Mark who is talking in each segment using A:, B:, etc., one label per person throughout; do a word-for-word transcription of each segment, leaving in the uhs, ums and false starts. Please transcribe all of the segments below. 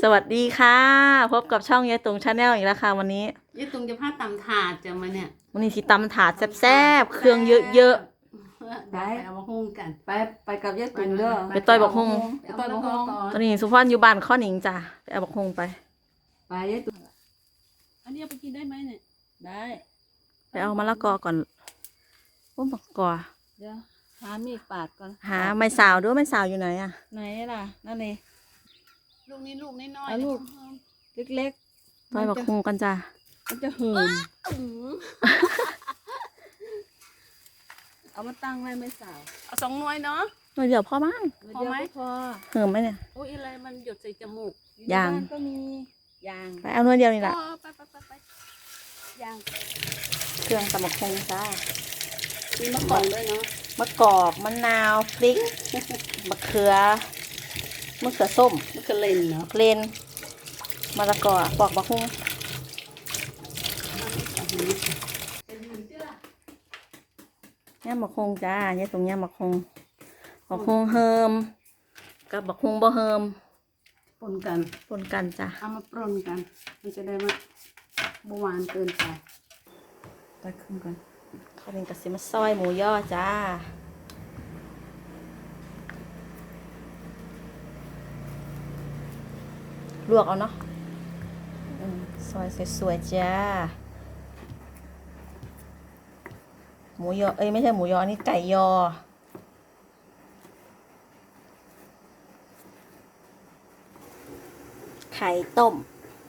A: วัสดีค่ะพบกับช่องยายตุงชาแนลอีกแล้วค่ะวันนี้
B: ยายตุงจะพาตำถาดจะมาเนี่ย
A: วันนี้สิตำถาดแซ่บๆเครื่องเยอะ
B: ๆไปเอามาหุ้งกัน
C: ไปไปกับยายตุงเด้อ
A: ไปต่อยบักฮง
B: ไปต่อยบักฮง
A: ๆตอนนี้สุพรรณอยู่บ้านข้อหนิงจ้ะไปเอาบักฮงไป
C: ไปยายตุง
B: อันนี้เอาไปกินได้ไหมเนี่ยได้
A: ไปเอามะละกอก่อนโอ้มะละกอ
C: เดี๋ยวหามีดปาดก่อน
A: หาไม้สาวด้วยไม้สาวอยู่ไหนอ่ะ
C: ไหนล่ะนั่นเอง
B: ลูกนี้ลูกน้อยๆ
C: เอาลูกเล็กๆ
A: ต่อยบักฮงกันจ้ะ
C: มันจะเหิมเอามาตั้งไว้ไม่สาว
B: เอาสองหน่วยเนาะ
A: หน่อยเดียวพอมั้ง
B: พอไหม
C: พอ
A: เหิมไหมเนี่ย
B: โอ้ยอะไรมันหยดใส่จมูก
A: ยาง
C: บ้นก็มียาง
A: ไปเอาหน่อยเดียวนี่แหละ
B: อ๋อไปไปไปไปยาง
A: เครื่องตำบักฮงจ้า
B: มีมะกอกด้วยเนาะ
A: มะกอกมะนาวพริกมะเขือมะเขือส้ม
B: มะเขือเลนเนาะ
A: เลนมะละกอปอกบักฮงย่าบักฮงจ้ายายตุงย่าบักฮงบักฮงเฮิมกับบักฮงบ่เฮิม
B: ปนกัน
A: ปนกันจ้ะ
B: เอามาปนกันมันจะได้ว่าบหวานเกินไป
C: ตัดขึ้นก่อน
A: ข้าวเป็นกระสิมาซอยหมูย่อจ้าลวกเอาเนาะอืมซอยสวยๆจ้าหมูยอเอ้ยไม่ใช่หมูยอนี่ไก่ยอไข่ต้ม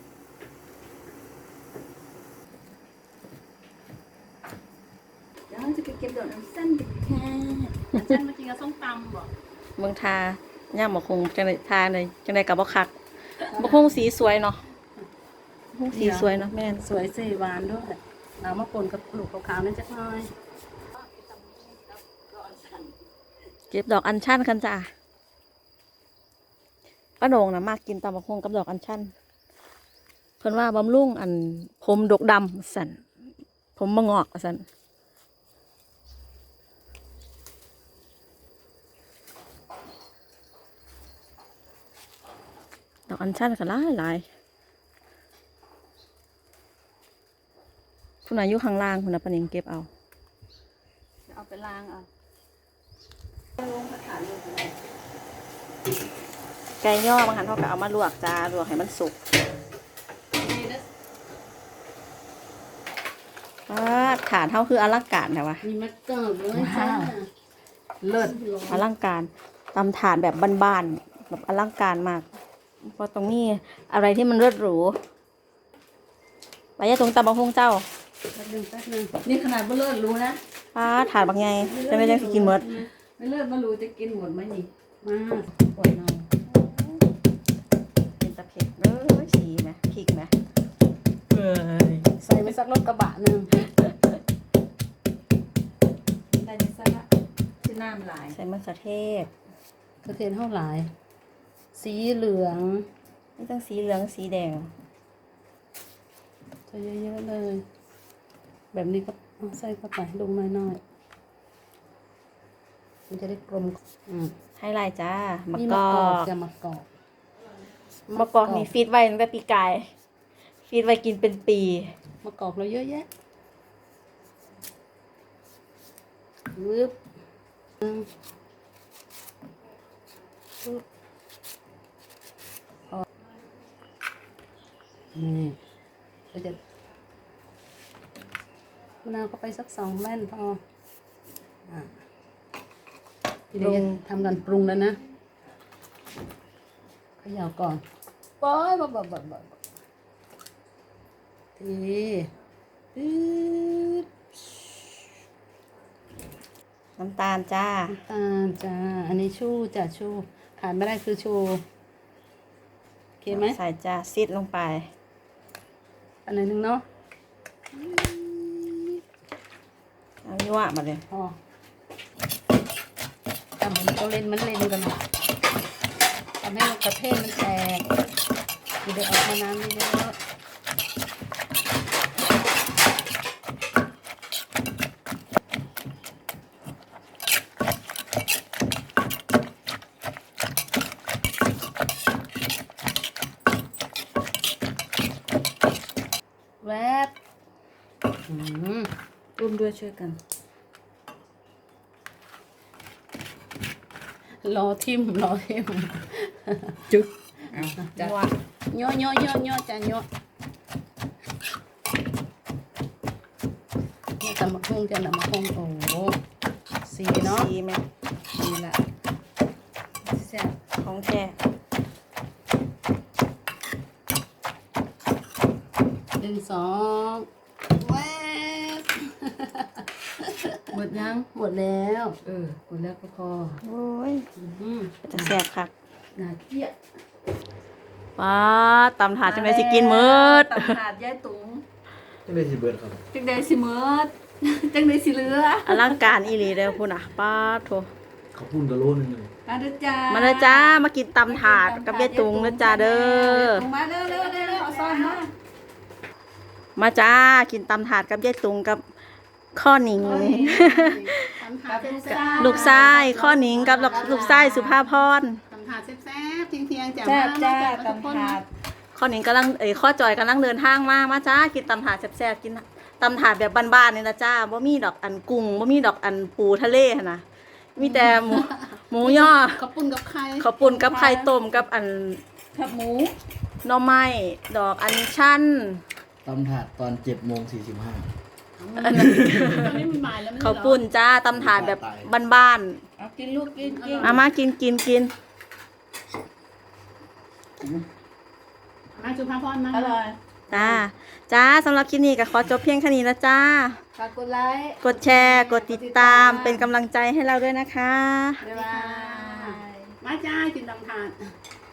C: เดี๋ยวจะไปเก็บดอกน้ำสั้นดิค่ะ
B: ฉันมากินกับส้มตำบ่
A: เมืองทาย่ามบะคงจังไดทาเลยจังไดกับบ่คักบะคงสีสวยเนาะบะคงสีสวยเนาะแม่น
B: สวยสีหวานด้วยเอามาปนกับลูกขาวๆนั่นจักหน่อย
A: เก็บดอกอัญชันกันจ้ะป้าโหน่งนะมากกินตำบะคงกับดอกอัญชันเพิ่นว่าบำรุงอันผมดกดำสันผมมะงอกสันดอกอัญชันก็หลายหลายคุณอายุข้างล่างคุณน่ะปะนิงเก็บเอา
C: เอาไปล้างเอา
A: ไก่ย่อบางครั้งเขาก็เอามาลวกจ้าลวกให้มันสุกว้าฐานเท่าคืออลังการแต่ว่า
B: มีมะกอกด้วยจ้า
C: เลิศ
A: อลังการตำฐานแบบบ้านๆแบบอลังการมากเพราะตรงนี้อะไรที่มันเลิศหรูไปยะตรงตำบะฮงเจ้า
B: แป๊บนึงแป๊บนึง
C: นี่ขนาดบ่เลิศรู้นะ
A: ป้าถาดบางไงจะไม่ได้สิกินหมด
C: ไม่เลิศบ่รู้จะกินหมดไหมนี่
B: มาปวดหน่อย
A: เป็นตะเผ็ดเอ้ยสีไหมพริกไหมเอ้ย
B: ใส่ไปสักรถกระบะหนึ่ง
C: ได้ดิซะละที่น้ำลาย
A: ใส่มะเขือเทศ
B: กระเทียมเท่าไหร่สีเหลือง
A: ไม่ต้องสีเหลืองสีแดง
B: ใส่เยอะๆเลย แบบนี้ก็เอาใส่เข้าไปลงน้อยๆมันจะได้กลมอืม
A: ให้ลายจ้ามะ
B: นี่
A: ก
B: มะ
A: อก
B: อก
A: ก
B: จะมะกอก
A: มะกอกนี่ฟีดไว้ตั้งแต่ปีกายฟีดไว้กินเป็นปี
B: มะกอกเราเยอะแยะวึบอืมวึบพอนี่ก็จะมะนาวเข้าไปสักสองแว่นพออ่ะทีนี้ทำกันปรุงแล้วนะเขย่าก่อนป๊อยบ๊อบบ๊อบบ๊อบบ๊อบทีปึ๊ด
A: น้ำตาลจ้า
B: น้ำตาลจ้า อันนี้ชูจ้ะชูขาดไม่ได้คือชูโอเคไหม
A: ใส่จ้าซีดลงไป
B: อันไหนหนึ่งเนาะ
A: เอายั่วมาเลย
B: พอทำเหมือนเราเล่นมันเล่นกันนะทำให้มันกระเทศมันแตกเดี๋ยวออกมาน้ำเยอะอืม
C: ร่วมด้วยช่วยกัน
B: รอทิมรอทิม
C: จุ๊บเอาจ้ะ
B: ย่อย่อย่อย่อจ้ะย่อนี่ตำมะฮงจ้ะตำมะฮงโอ้โหสีเนาะ
A: สีแม่
B: สีละ
C: แซ่บ
A: ของแท้
B: หนึ่งสองแวบ
C: หมดยัง
B: หมดแล้ว
C: เออหมดแล้วก็พอ
A: โอ้ย
B: อืม
A: จะแซ่บคัก
C: น่าเกลียด
A: ว้าตำถาดจังได๋สิกินหมืด
C: ตำถาดยายตุ๋ง
D: จังได้สิเบิดครับ
C: จังใดสิเมิด จังใดสิเหลือ
A: อลังการอีหลีเด้อพุ่นน่ะป้าดโถ
D: เขาพุ่นกะโลนึงเลย
C: มาเด้อจ้า
A: มาเด้อจ้ามากินตำถาดกับยายตุงเด้อจ้าเด้อ
C: มาเด้อเด้อเด้อเด้อเอาซ่อนมา
A: มาจ้ากินตำถาดกับยายตุงกับข้อหนิง
B: ตำถาดแซ่บ
A: ลูกชายข้อหนิงกับลูกชายสุภาพร
B: ตำถาดแซ่บๆเที่ยงๆจ้ะ
C: แซ่บ
B: มา
C: จ้า
B: มา
C: ตำถาด
A: ข้อหนิงกำลังเอ้ยข้อจอยกำลังเดินทางมามาจ้ากินตำถาดแซ่บๆกินตำถาดแบบบ้านๆนี่นะจ้าบ่มีดอกอันกุ้งบ่มีดอกอันปูทะเลหั่นนะมีแต่หมูหมูย่อ
B: ข้าวปุ้นกับไข่
A: ข้าวปุ่นกับไข่ต้มกับอัน
C: ขับหมู
A: หน่อไม้ดอกอัญชัน
D: ตำถาดตอนเจ็ดโมงสี่สิบห้า
B: ตอนนี้มันบ่ายแล้วไม่ใช่เหรอ
A: ข้าวปุ้นจ้าตำถาดแบบบ้าน
C: เอากินลูกกินกิน
A: ๆมามากินกินกิน
B: มาจุภาพรมา
C: อร่อย
A: จ้าจ้าสำหรับคลิปนี้ก็ขอจบเพียงแค่นี้นะจ้า
C: ฝากกดไลค์
A: กดแชร์ กดติดตามเป็นกำลังใจให้เราด้วยนะคะ
C: บ๊ายบาย
B: มาจ้ากินตำถาด